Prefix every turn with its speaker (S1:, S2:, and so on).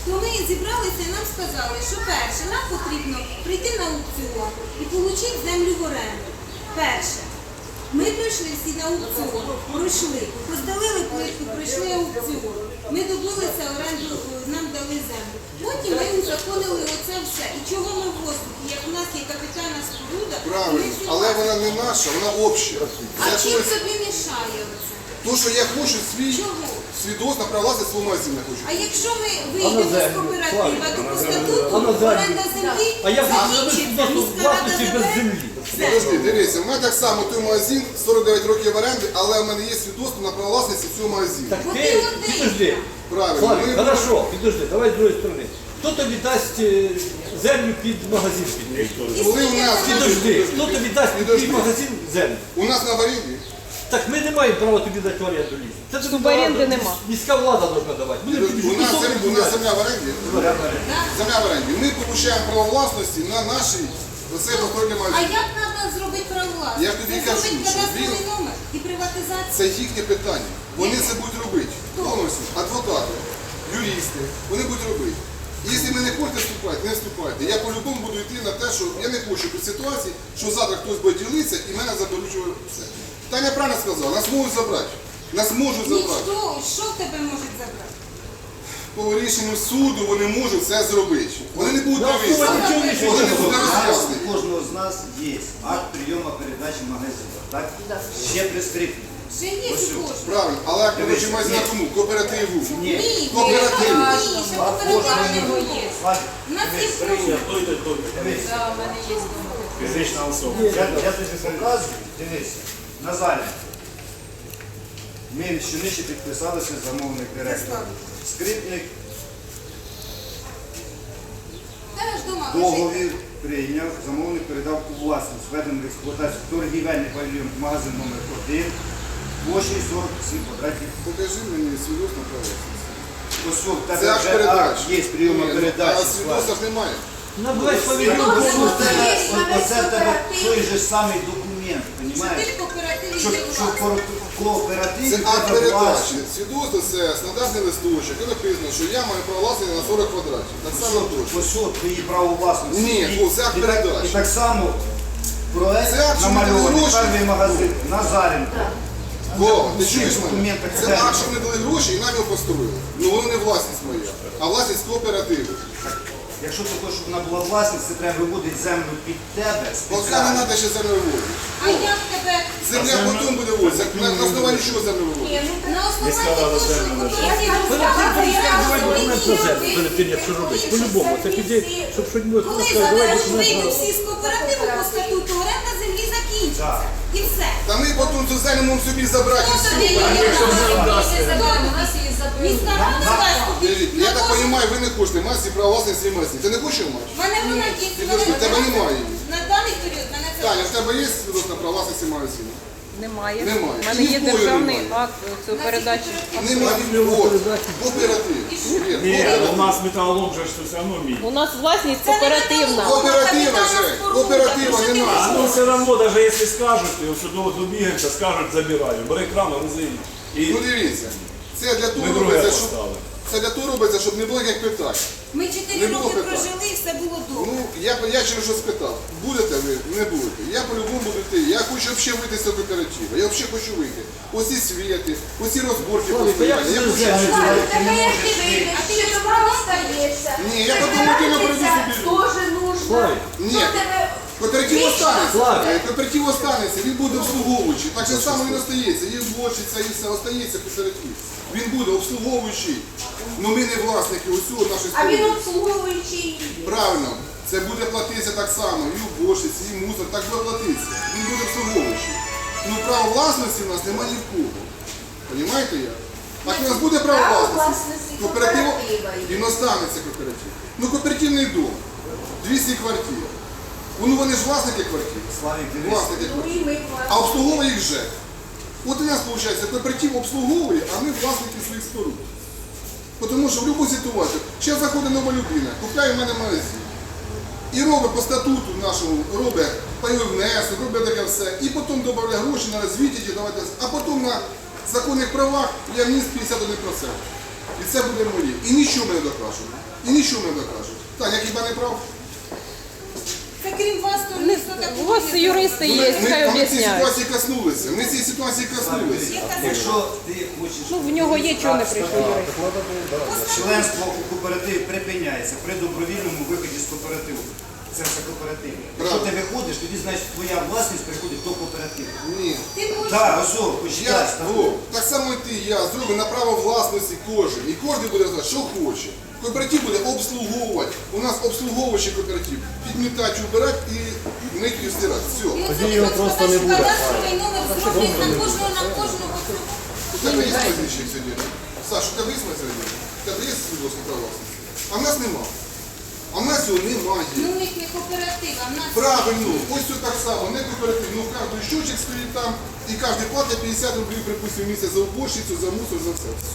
S1: то ми зібралися і нам сказали, що перше, нам потрібно прийти на аукціон і отримати землю в оренду. Перше. Ми прийшли всі на аукціон, пройшли, роздалили плитку, пройшли аукціон. Ми добилися оренду, нам дали землю. Потім ми узаконили оце все. І чого ми в воздухі? Як у нас є капітальна споруда,
S2: Правильно, але вона не наша, вона обща.
S1: А чим тобі мішає оце?
S2: То, що я хочу
S1: Чого?
S2: свідоцтво про власність свого магазину хочу.
S1: А якщо ми вийдемо з кооператива, то по статуту оренда землі
S3: А як
S1: закінчиться, міська рада
S3: власності без
S1: забере.
S3: землі?
S1: Все.
S2: Подожди, дивіться, в мене так само той магазин, 49 років оренди, але в мене є свідоцтво на право власності цього магазину.
S3: Так
S1: Бо
S3: ти,
S1: ти один.
S3: підожди.
S2: Правильно.
S3: Славік,
S2: Ми-
S3: хорошо, підожди, давай з другої сторони. Хто тобі дасть землю під магазин?
S2: Коли у нас
S3: Підожди, хто тобі дасть під
S2: Підожди.
S3: твій магазин землю?
S2: у нас на варіанті,
S3: Так ми не маємо права тобі дати в оренду лісу. Це тобі
S4: Суборенди
S3: влада,
S4: нема.
S3: Міська влада повинна давати. Ми не тобі
S2: у нас
S3: кусок
S2: земля
S3: відбирати.
S2: в оренді. Земля в оренді. Ми получаємо право власності на наші оцей повторний
S1: А
S2: магазин.
S1: як треба зробити право власності?
S2: Я ж тобі
S1: Це
S2: кажу,
S1: зробити
S2: що
S1: кадастровий
S2: він-
S1: номер і приватизацію.
S2: Це їхнє питання. Вони це будуть робити. Повністю. Адвокати, юристи, вони будуть робити. І якщо ви не хочете вступати, не вступайте. Я по-любому буду йти на те, що я не хочу при ситуації, що завтра хтось буде ділитися і мене заберуть все. Таня правильно сказала, нас можуть забрати. Нас можуть забрати.
S1: Ніхто, що в тебе можуть забрати?
S2: По рішенню суду вони можуть це зробити. Вони не будуть дивитися.
S3: Нічого рішення
S2: Вони
S3: не
S2: не
S3: було.
S2: будуть
S5: У
S2: роз'яснити.
S5: кожного з нас є акт прийому передачі магазину, так? Ще прискріплений.
S1: Ще є
S5: Ось
S1: у кожного.
S2: Правильно, але як коротше магазин кому? Кооперативу.
S5: Ні.
S1: Ні,
S2: Кооператив.
S1: ні, ще кооперативного є.
S5: Славік,
S1: У нас є круг.
S5: дивись.
S6: Фізична особа.
S5: Я тобі показую, дивися. Назаля. Ми щонижче підписалися замовник директор. Скрипник
S1: Та ж дома лежить.
S5: договір прийняв, замовник передав у власність, введений в експлуатацію торгівельний павільйон магазин номер 1 площею 47 квадратів.
S2: Покажи мені свідоцтво про власність.
S5: Ось в
S2: Це
S5: тебе
S2: акт
S5: вже
S2: передачі.
S5: акт є прийому
S2: А
S5: передачі.
S2: свідоцтва ж немає.
S3: На весь павільйон.
S5: Оце в тебе той же самий документ,
S1: Що ти
S5: розумієш?
S1: в кооперативі
S5: Що
S1: є власник.
S5: в кооперативі
S2: Це акт
S5: тебе
S2: передачі.
S5: власність.
S2: Свідоцтво це стандартний листочок, і написано, що я маю право власності на 40 квадратів. Так само точно.
S5: Ось от твої право власності.
S2: Ні, це акт
S5: І так-
S2: передачі.
S5: І так само проект
S2: Це акт, що ми
S5: намальований,
S2: дали гроші.
S5: перший магазин, Назаренко.
S2: Бо, ти чуєш мене?
S5: документах
S2: Це
S5: це-
S2: акт, що вони дали гроші і нам його построїли. Ну воно не власність моя, а власність кооперативу.
S5: Якщо ти хочеш, щоб вона була власність, це треба виводити землю під тебе
S2: Поки не
S5: спеціально.
S2: треба ще землю виводити.
S1: А як тебе
S2: Земля потім буде виводитися. На основанні чого землю виводити?
S1: на основанні того, що кооператив
S3: Документ про землю, перед тим, як що робити. По-любому, це піде, щоб щось було.
S1: Коли
S3: сказати, давай
S1: забереш
S3: документ
S1: вийду
S3: про-
S1: всі з кооперативу по статуту, оренда землі закінчиться. І все.
S2: Та ми потім цю землю можемо собі забрати і
S1: Хто
S2: все.
S1: тобі її Міська рада дасть тобі.
S2: Дивіться, я так розумію, ви не хочете мати право власності власність. Ти не хочеш мати?
S1: В мене вона є.
S2: Підожди, в тебе немає її.
S1: На даний період мене це.
S2: Таня, в тебе є свідоцтво про власності магазину?
S4: Немає.
S2: Немає.
S4: У мене є
S2: Ніколи
S4: державний
S2: немає.
S4: акт цього передачі.
S2: Немає. От, кооператив.
S6: Ні, у нас металолом же ж все одно мій.
S4: У нас власність кооперативна.
S2: Кооператива же, кооператива
S6: А
S2: немає.
S6: ну все одно, навіть якщо скажуть, то сюди добігаємося, скажуть, забираю. Бери кран, грузи. І
S2: Ну дивіться, це для того
S6: ми друге
S2: робиться, щоб
S6: поставили.
S2: це для того робиться, щоб не було ніяких питань.
S1: Ми
S2: Не
S1: 4
S2: було
S1: роки
S2: питань.
S1: прожили і все було добре.
S2: Ну, я через що спитав, будете ви, не будете. Я по-любому буду йти. Я хочу взагалі вийти з цього кооперативу. Я взагалі хочу вийти. Оці світи, оці розборки
S3: Славік, а як
S2: постоянні. Я
S3: це
S2: хочу...
S3: землю?
S5: Ти не можеш вийти.
S1: А ти як право стаєшся?
S2: Ні, я потім людину приведу собі.
S4: Тоже нужно.
S3: Славік,
S2: Ні, кооператив останеться.
S3: Славік.
S2: Кооператив останеться, він буде обслуговуючий. Так же само він остається. Є вборщиця і все, остається кооператив. Він буде обслуговуючий. Ну ми не власники усього нашої
S7: А він
S2: сторони.
S7: обслуговуючий.
S2: Правильно, це буде платитися так само. І уборщиці, і мусор, так буде платитися. Він буде обслуговуючий. Ну право власності в нас немає ні в кого. Понімаєте я? Так у нас буде право
S7: Право
S2: власності.
S7: власності
S2: Кооператив,
S7: кооператива є.
S2: він останеться кооператив. Ну кооперативний дом, 200 квартир. Ну вони ж власники квартир.
S5: Славік, дивись.
S2: Власники
S7: Ну
S2: квартир.
S7: і ми
S2: А обслуговує їх ЖЕК. От у нас виходить, кооператив обслуговує, а ми власники своїх споруд. Тому що в будь-яку ситуацію, ще заходить нова людина, купляє в мене магазин. І робить по статуту нашому, робить пайовий внесок, робить таке все. І потім додає гроші на розвиття, а потім на законних правах я вніс 51%. І це буде моє. І нічого мене докажуть. І нічого мене докажуть. Так, я хіба не прав?
S1: Це крім вас, то ніхто такого
S4: У вас
S1: не
S4: юристи є, хай
S2: Ми цієї
S4: об'ясняють.
S2: ситуації коснулися. Ми цієї ситуації коснулися.
S5: Якщо ти хочеш...
S4: Ну, в нього є, чого не прийшов юрист.
S5: Членство у кооперативі припиняється при добровільному виході з кооперативу. Це все кооператив. Якщо ти виходиш, тоді значить твоя власність приходить до кооперативу.
S2: Ні.
S1: Ти можеш
S5: Так, ось, почитай.
S2: Так само і ти, я зроблю на право власності кожен. І кожен буде знати, що хоче. Кооператив буде обслуговувати. У нас обслуговуючий кооператив. Підмітати, убирати і мити і стирати. Все.
S1: тоді його просто не буде. Кадастровий номер зроблять на кожного.
S2: У тебе є майданчик сьогодні? Саш, у тебе є майданчик? У тебе є свідоцтво про власність? А в нас нема. А в нас його немає.
S1: Ну, у них не кооператив, а в нас...
S2: Правильно, ось все так само, не кооператив. Ну, кожен щочик стоїть там, і кожен платить 50 рублів, припустимо, в місяць за уборщицю, за мусор, за все.